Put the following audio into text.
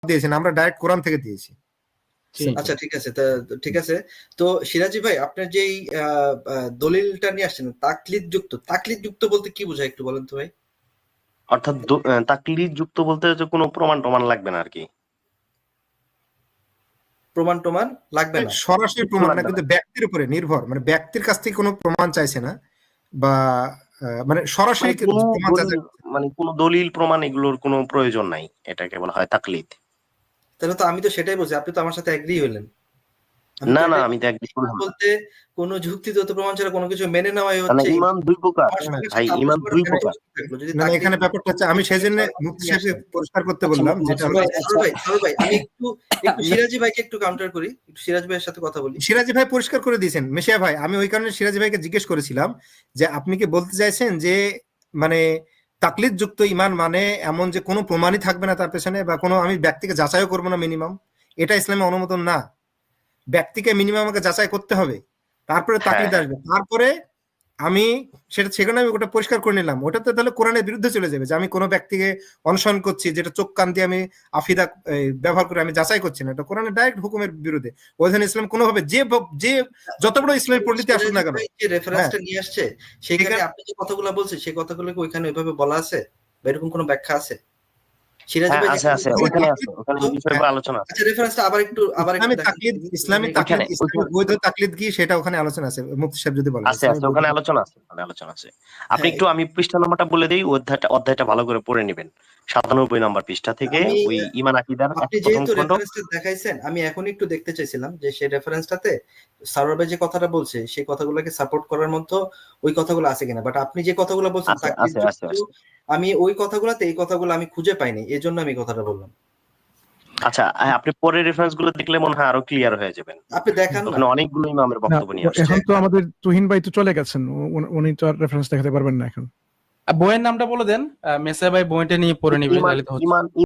দিয়েছি না, আমরা ডাইরেক্ট কোরআন থেকে দিয়েছি। আচ্ছা ঠিক আছে, ঠিক আছে। তো সিরাজি ভাই, আপনার যেই দলিলটা নিয়ে আসছেন তাকলিদ যুক্ত বলতে কি বোঝায় একটু বলেন তো ভাই? অর্থাৎ তাকলিদ যুক্ত বলতে হচ্ছে কোনো প্রমাণ টমান লাগবে না আর কি। প্রমাণ টমান লাগবে না, সরাসরি প্রমাণ না, কিন্তু ব্যক্তির উপরে নির্ভর, মানে ব্যক্তির কাছ থেকে কোনো প্রমাণ চাইছে না, বা মানে সরাসরি প্রমাণ চাইছে। মানে কোনো দলিল প্রমাণ এগুলোর কোনো প্রয়োজন নাই, এটাকে বলা হয় তাকলিদ। তাহলে তো আমি তো সেটাই বলছি, আপনি তো আমার সাথে এগ্রি হইলেন। না না, আমি তো এগ্রি করলাম না। বলতে কোনো যুক্তিগত প্রমাণ ছাড়া কোনো কিছু মেনে নেওয়াই মানে হচ্ছে ঈমান দুই প্রকার ভাই, ঈমান দুই প্রকার। মানে এখানে ব্যাপারটা হচ্ছে, আমি সেজন্য মুফতি সাহেবকে পরিষ্কার করতে বললাম, যেটা হলো ভাই আমি একটু সিরাজি ভাইকে একটু কাউন্টার করি, একটু সিরাজ ভাইয়ের সাথে কথা বলি। সিরাজি ভাই পরিষ্কার করে দিয়েছেন মেশিয়া ভাই, আমি ওই কারণে সিরাজি ভাইকে জিজ্ঞেস করেছিলাম যে আপনি কি বলতে চাইছেন যে মানে তাকলিদ যুক্ত ঈমান মানে এমন যে কোনো প্রমাণই থাকবে না তার পেছনে, বা কোনো আমি ব্যক্তিকে যাচাইও করবো না মিনিমাম, এটা ইসলামে অনুমোদন না। ব্যক্তিকে মিনিমাম আমাকে যাচাই করতে হবে, তারপরে তাকলিদ আসবে। তারপরে আমি সেখানে আমি ওটা পরিষ্কার করে নিলাম, ওটা তো তাহলে কোরআনের বিরুদ্ধে চলে যাবে যে আমি কোনো ব্যক্তিকে অনুসরণ করছি, যেটা চোখ কান দিয়ে আমি আফিদা ব্যবহার করে আমি যাচাই করছি না, এটা কোরআনের ডাইরেক্ট হুকুমের বিরুদ্ধে। ওইখানে ইসলাম কোনোভাবে যে যত বড় ইসলামের পণ্ডিত আসুক না কেন, যে রেফারেন্সটা নিয়ে আসছে সেখানে আপনি যে কথাগুলো বলছেন সেই কথাগুলো কি ওইখানে ওইভাবে বলা আছে বা এরকম কোনো ব্যাখ্যা আছে? সিরাজি ভাই আছে, ওখানে আছে, ওখানে বিষয়গুলো আলোচনা আছে। আচ্ছা, রেফারেন্সটা আবার একটু ইসলামী তাকলিদ বৈধ তাকলিদ কি সেটা ওখানে আলোচনা আছে, মুফতি সাহেব যদি বলেন। আছে ওখানে আলোচনা আছে। আপনি একটু, আমি পৃষ্ঠা নাম্বারটা বলে দেই, অধ্যায়টা ভালো করে পড়ে নেবেন। 97 নম্বর পৃষ্ঠা থেকে ওই ঈমান আকীদার আপনি যেহেতু রেফারেন্সটা দেখাইছেন, আমি এখন একটু দেখতে চাইছিলাম যে সেই রেফারেন্সটাতে সারোয়ার ভাই যে কথাটা বলছে সেই কথাগুলোকে সাপোর্ট করার মতো ওই কথাগুলো আছে কিনা। বাট আপনি যে কথাগুলো বলছেন আমি ওই কথাগুলোতে এই কথাগুলো আমি খুঁজে পাইনি, এজন্য আমি কথাটা বললাম। আচ্ছা, আপনি পরের রেফারেন্স গুলো দেখলে মনে হয় আরো ক্লিয়ার হয়ে যাবেন। আপনি দেখান, ওখানে অনেকগুলো ইমামের বক্তব্য নিয়ে আসছে। এখন তো আমাদের তুহিন ভাই তো চলে গেছেন, উনি তো আর রেফারেন্স দেখাতে পারবেন না এখন। বইয়ের নামটা বলে দেন, মেসা ভাই বইটা নিয়ে পড়ে নিবে।